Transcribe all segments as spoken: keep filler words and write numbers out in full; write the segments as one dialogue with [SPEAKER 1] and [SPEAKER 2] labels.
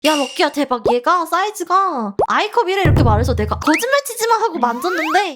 [SPEAKER 1] 야 럭키야 대박. 얘가 사이즈가 아이컵이래 이렇게 말해서 내가 거짓말 치지마 하고 만졌는데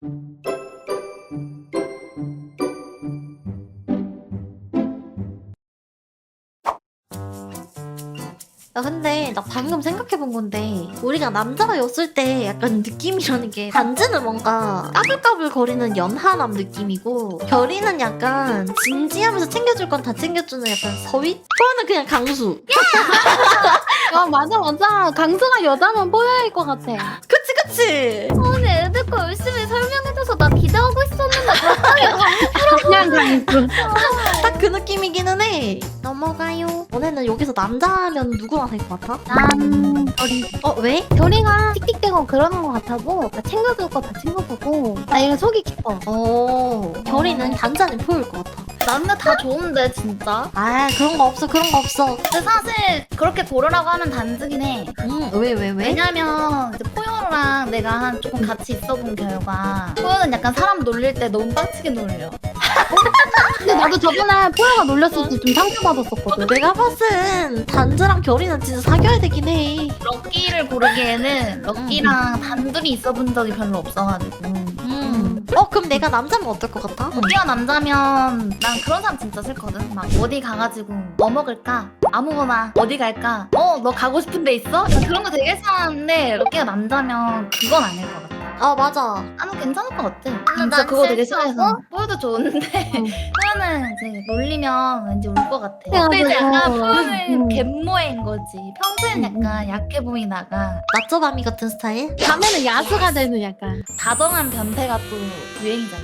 [SPEAKER 1] 야 근데 나 방금 생각해본 건데 우리가 남자였을 때 약간 느낌이라는 게 단지는 뭔가 까불까불 거리는 연하남 느낌이고 결이는 약간 진지하면서 챙겨줄 건 다 챙겨주는 약간 서윗? 포효는 그냥 강수.
[SPEAKER 2] 야 맞아 맞아. 강수가 여자면 뽀여일 것 같아.
[SPEAKER 1] 그치 그치.
[SPEAKER 3] 아니 애들 거 열심히 설명해줘서 나 기대하고 있었는데 갑자기
[SPEAKER 2] 그냥 강수.
[SPEAKER 1] 딱 그 느낌이기는 해. 넘어가요. 너네는 여기서 남자면 누구랑 살 것 같아?
[SPEAKER 2] 난 결이.
[SPEAKER 1] 어 왜?
[SPEAKER 2] 결이가 틱틱대고 그러는 것 같아서 나 챙겨줄 거 다 챙겨주고 나 이거 속이 깊어.
[SPEAKER 1] 어 결이는 단자는 포효일 것 같아.
[SPEAKER 3] 남자 다 좋은데 진짜.
[SPEAKER 1] 아 그런 거 없어 그런 거 없어.
[SPEAKER 3] 근데 사실 그렇게 고르라고 하면 단지긴 해.
[SPEAKER 1] 음왜 왜 왜?
[SPEAKER 3] 왜냐면 이제 포효랑 내가 한 조금 같이 있어본 결과 포효는 약간 사람 놀릴 때 너무 빡치게 놀려.
[SPEAKER 2] 근데 나도 저번에 포효가 놀렸을 때 좀 상처받았었거든.
[SPEAKER 1] 내가 봤을 땐 단즈랑 결이는 진짜 사귀어야 되긴 해.
[SPEAKER 3] 럭키를 고르기에는 럭키랑 단둘이 있어본 적이 별로 없어가지고.
[SPEAKER 1] 음. 어 그럼 내가 남자면 어떨 것 같아?
[SPEAKER 3] 럭키가 남자면 난 그런 사람 진짜 싫거든. 막 어디 가가지고 뭐 먹을까? 아무거나 어디 갈까? 어 너 가고 싶은 데 있어? 나 그런 거 되게 싫어하는데 럭키가 남자면 그건 아닐 것 같아.
[SPEAKER 1] 아 맞아.
[SPEAKER 3] 나는 괜찮을 것 같아.
[SPEAKER 1] 난
[SPEAKER 3] 진짜 그거 되게
[SPEAKER 1] 싫다고?
[SPEAKER 3] 싫어해서. 포효도 좋은데
[SPEAKER 2] 응.
[SPEAKER 3] 포효는 이제 놀리면 왠지 울 것 같아.
[SPEAKER 2] 맞아.
[SPEAKER 3] 근데 이제 약간
[SPEAKER 2] 응.
[SPEAKER 3] 포효는 갯모인 거지. 평소엔
[SPEAKER 2] 응,
[SPEAKER 3] 약간 약해 보이다가
[SPEAKER 1] 낮저밤이 같은 스타일?
[SPEAKER 2] 밤에는 야수가 되는 약간.
[SPEAKER 3] 다정한 변태가 또 유행이잖아.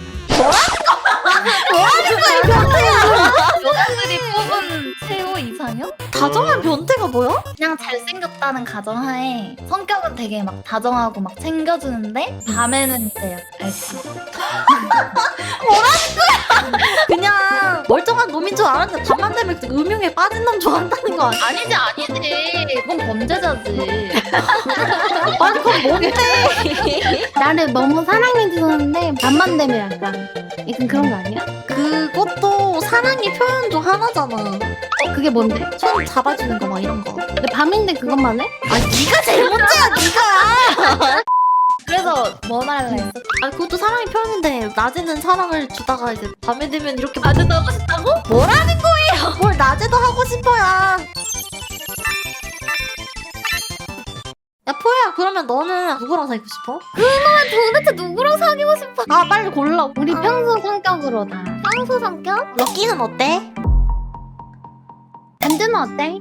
[SPEAKER 3] 여자들이 뽑은 최고 이상형?
[SPEAKER 1] 다정한 변태가 뭐야?
[SPEAKER 3] 그냥 잘생겼다는 가정하에 성격은 되게 막 다정하고 막 챙겨주는데 밤에는 이제 알지.
[SPEAKER 1] 그냥 멀쩡한 놈인 줄 알았는데 밤만 되면 그 음흉에 빠진 놈 좋아한다는 거 아니야?
[SPEAKER 3] 아니지 아니지. 그건 범죄자지.
[SPEAKER 1] 아니 그건 뭔데?
[SPEAKER 2] 나를 너무 사랑해주는데 밤만 되면 약간 약간 그런 거 아니야?
[SPEAKER 1] 그것도 사랑의 표현 중 하나잖아.
[SPEAKER 2] 어 그게 뭔데?
[SPEAKER 1] 손 잡아주는 거 막 이런 거.
[SPEAKER 2] 근데 밤인데 그것만 해?
[SPEAKER 1] 아 네가 제일 문제야 네가.
[SPEAKER 3] 그래서 뭐 말할래 했어?
[SPEAKER 1] 아 그것도 사랑의 표현인데 낮에는 사랑을 주다가 이제 밤에 되면 이렇게
[SPEAKER 3] 낮에도 하고 싶다고?
[SPEAKER 1] 뭐라는 거예요? 뭘 낮에도 하고 싶어야. 야 포야 그러면 너는 누구랑 사귀고 싶어?
[SPEAKER 3] 도대체 누구랑 사귀고 싶어?
[SPEAKER 1] 아 빨리 골라.
[SPEAKER 2] 우리 평소 성격으로 다.
[SPEAKER 3] 평소 성격?
[SPEAKER 1] 럭키는 어때?
[SPEAKER 2] 단지는 어때?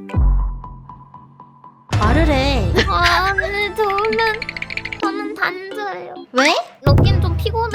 [SPEAKER 1] 말을 해.
[SPEAKER 3] 아니 저는 저는 단자예요.
[SPEAKER 1] 왜?
[SPEAKER 3] 럭키는 좀 피곤해.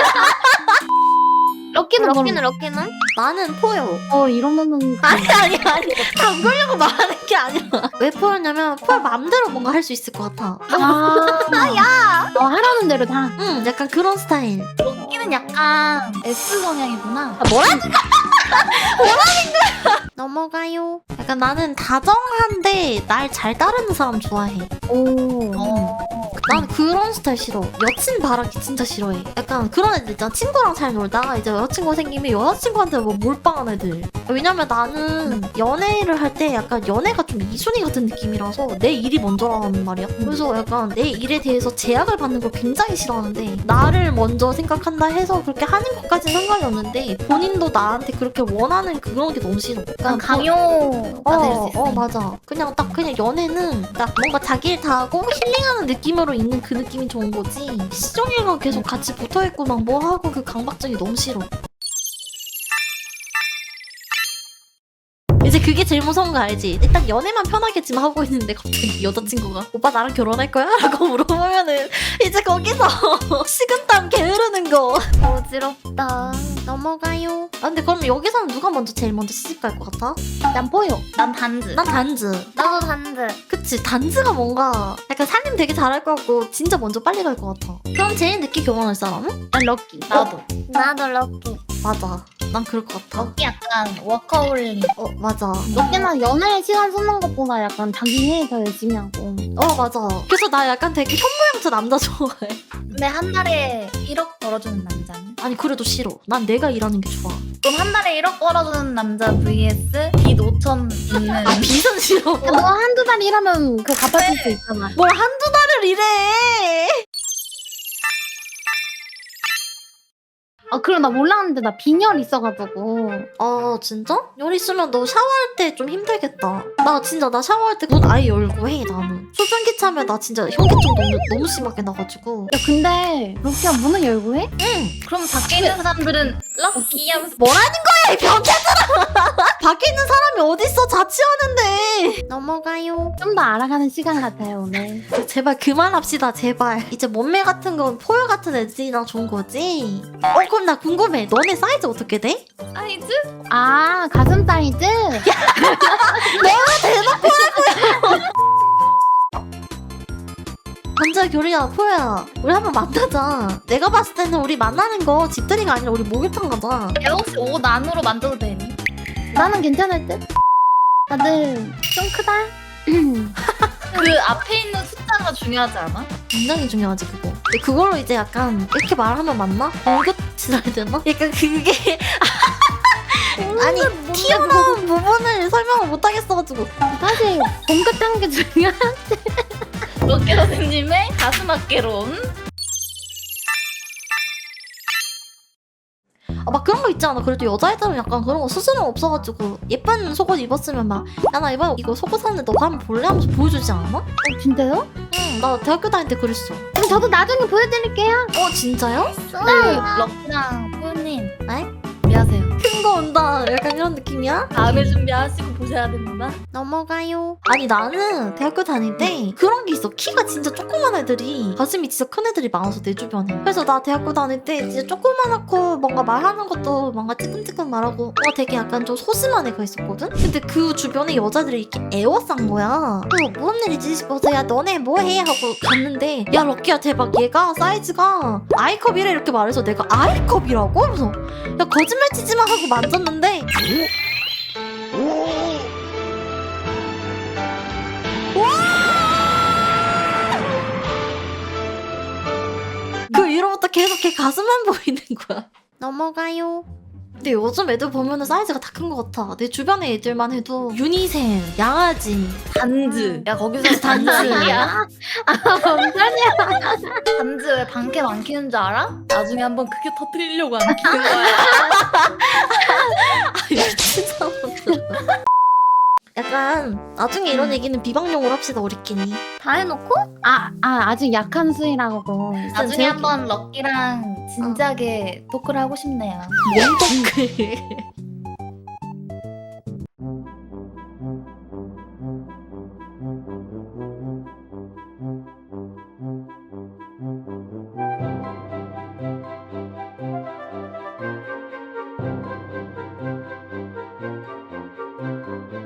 [SPEAKER 2] 럭키는
[SPEAKER 3] 럭키는
[SPEAKER 2] 뭐?
[SPEAKER 3] 럭키는?
[SPEAKER 1] 나는 포요.
[SPEAKER 2] 어 이러면은
[SPEAKER 1] 아니 아니 아니 담그려고 말하는 게 아니라 왜 포였냐면 포야 맘대로 뭔가 할 수 있을 것 같아.
[SPEAKER 2] 아야 어 하라는 대로 다.
[SPEAKER 1] 응 약간 그런 스타일.
[SPEAKER 3] 럭키는 약간 S 성향이구나.
[SPEAKER 1] 아, 뭐라는 거야? 뭐라는 거야? 넘어가요. 약간 나는 다정한데 날 잘 따르는 사람 좋아해.
[SPEAKER 2] 오.
[SPEAKER 3] 어.
[SPEAKER 1] 난 그런 스타일 싫어. 여친 바라기 진짜 싫어해. 약간 그런 애들 있잖아. 친구랑 잘 놀다가 이제 여자친구 생기면 여자친구한테 뭐 몰빵한 애들. 왜냐면 나는 연애를 할 때 약간 연애가 좀 이순이 같은 느낌이라서 내 일이 먼저라는 말이야. 그래서 약간 내 일에 대해서 제약을 받는 걸 굉장히 싫어하는데 나를 먼저 생각한다 해서 그렇게 하는 것까지는 상관이 없는데 본인도 나한테 그렇게 원하는 그런 게 너무 싫어.
[SPEAKER 3] 약간
[SPEAKER 1] 그러니까
[SPEAKER 3] 강요가 될 수
[SPEAKER 1] 어,
[SPEAKER 3] 있어.
[SPEAKER 1] 어 맞아. 그냥 딱 그냥 연애는 딱 뭔가 자기 일 다 하고 힐링하는 느낌으로 있는 그 느낌이 좋은 거지. 시종일관 계속 같이 붙어있고 막 뭐 하고 그 강박증이 너무 싫어. 이제 그게 제일 무서운 거 알지? 일단 연애만 편하게 지금 하고 있는데 갑자기 여자친구가 오빠 나랑 결혼할 거야? 라고 물어보면은 이제 거기서 식은땀 게으르는 거.
[SPEAKER 3] 어지럽다.
[SPEAKER 1] 넘어가요. 아 근데 그럼 여기서는 누가 먼저 제일 먼저 시집 갈 것 같아?
[SPEAKER 2] 난 포요.
[SPEAKER 3] 난 단지.
[SPEAKER 1] 난 단즈.
[SPEAKER 3] 나도 단지.
[SPEAKER 1] 그치 단즈가 뭔가 약간 살림 되게 잘할 것 같고 진짜 먼저 빨리 갈 것 같아. 그럼 제일 늦게 결혼할 사람은?
[SPEAKER 2] 난 럭키.
[SPEAKER 3] 나도. 나도 럭키.
[SPEAKER 1] 맞아. 난 그럴 것 같아.
[SPEAKER 3] 럭키 약간 워커홀릭.
[SPEAKER 1] 어 맞아.
[SPEAKER 2] 럭키는 연애 시간 쓰는 것보다 약간 자기 일 더 열심히 하고.
[SPEAKER 1] 어 맞아. 그래서 나 약간 되게 현모양처 남자 좋아해.
[SPEAKER 3] 근데 한 달에 일억 벌어주는 남자는?
[SPEAKER 1] 아니 그래도 싫어. 난 내가 일하는 게 좋아.
[SPEAKER 3] 그럼 한 달에 일억 벌어주는 남자 vs 빚 오천 있는.
[SPEAKER 1] 아 빚은 싫어.
[SPEAKER 2] 야, 너 한두 달 일하면 그거 갚아줄 수 있잖아.
[SPEAKER 1] 뭘 한두 달을 일해.
[SPEAKER 2] 아 그럼 나 몰랐는데 나 빈혈 있어가지고.
[SPEAKER 1] 아 진짜? 열 있으면 너 샤워할 때 좀 힘들겠다. 나 진짜 나 샤워할 때 문 아예 열고 해 나는. 수증기 차면 나 진짜 현기증 너무, 너무 심하게 나가지고.
[SPEAKER 2] 야 근데 럭키야 문을 열고 해?
[SPEAKER 1] 응.
[SPEAKER 3] 그럼 밖에 있는 사람들은 럭키 하면서
[SPEAKER 1] 뭐라는 거야 이 병태들아. 밖에 있는 사람이 어딨어 자취하는데. 넘어가요.
[SPEAKER 2] 좀 더 알아가는 시간 같아요 오늘.
[SPEAKER 1] 제발 그만합시다 제발. 이제 몸매 같은 건 포효 같은 애들이랑 좋은 거지. 어 그럼 나 궁금해. 너네 사이즈 어떻게 돼?
[SPEAKER 3] 사이즈?
[SPEAKER 2] 아 가슴 사이즈?
[SPEAKER 1] 남자 교리야 포효야 우리 한번 만나자. 내가 봤을 때는 우리 만나는 거 집들이가 아니라 우리 목욕탕 가자.
[SPEAKER 3] 야 혹시 옷 안으로 만져도 되니?
[SPEAKER 2] 나는 괜찮을 듯? 다들 좀 크다?
[SPEAKER 3] 그 앞에 있는 숫자가 중요하지 않아?
[SPEAKER 1] 굉장히 중요하지 그거. 근데 그걸로 이제 약간 이렇게 말하면 맞나? 공격치라 해야 되나? 약간 그게 아니 튀어나온 부분을 설명을 못하겠어가지고.
[SPEAKER 2] 사실 본격한 게 중요한.
[SPEAKER 3] 럭키 선생님의 가슴 어깨론.
[SPEAKER 1] 아, 막 그런 거 있지 않아? 그래도 여자애들은 약간 그런 거 스스럼 없어가지고 예쁜 속옷 입었으면 막 야 나 이번에 이거 속옷 샀는데 너가 한번 볼래? 하면서 보여주지 않아?
[SPEAKER 2] 어 진짜요?
[SPEAKER 1] 응 나 대학교 다닐 때 그랬어.
[SPEAKER 2] 그럼 저도 나중에 보여드릴게요.
[SPEAKER 1] 어 진짜요?
[SPEAKER 3] 네, 럭키랑 포유님
[SPEAKER 1] 네?
[SPEAKER 3] 준비하세요.
[SPEAKER 1] 큰 거 온다 약간 이런 느낌이야?
[SPEAKER 3] 다음에 준비하시고 보셔야 됩니다.
[SPEAKER 1] 넘어가요. 아니 나는 대학교 다닐 때 그런 게 있어. 키가 진짜 조그만 애들이 가슴이 진짜 큰 애들이 많아서 내 주변에. 그래서 나 대학교 다닐 때 진짜 조그만하고 뭔가 말하는 것도 뭔가 찌끔찌끔 말하고 뭔가 되게 약간 좀 소심한 애가 있었거든? 근데 그 주변에 여자들이 이렇게 애워싼 거야. 그래서 무슨 일이지 싶어서 야 너네 뭐해? 하고 갔는데 야 럭키야 대박 얘가 사이즈가 아이컵이래 이렇게 말해서 내가 아이컵이라고? 그래서 야 거짓말 치지 마 하고 만졌는데 그 이후로부터 계속 걔 가슴만 보이는 거야. 넘어가요. 근데 요즘 애들 보면은 사이즈가 다 큰 것 같아. 내 주변의 애들만 해도 유니셈, 양아지,
[SPEAKER 3] 단즈. 야 거기서 단즈야.
[SPEAKER 2] 뭔 소리야?
[SPEAKER 3] 단즈 왜 방캠 안 키는 줄 알아? 나중에 한번 크게 터뜨리려고 안 키는 거야.
[SPEAKER 1] 미친 사람들. 약간 나중에 이런 얘기는 비방용으로 합시다 우리끼리.
[SPEAKER 3] 다 해놓고
[SPEAKER 2] 아, 아 아직 약한 수위라고.
[SPEAKER 3] 나중에 한번 럭키랑 진지하게 토크를 하고 싶네요.
[SPEAKER 1] 뭔 덕을.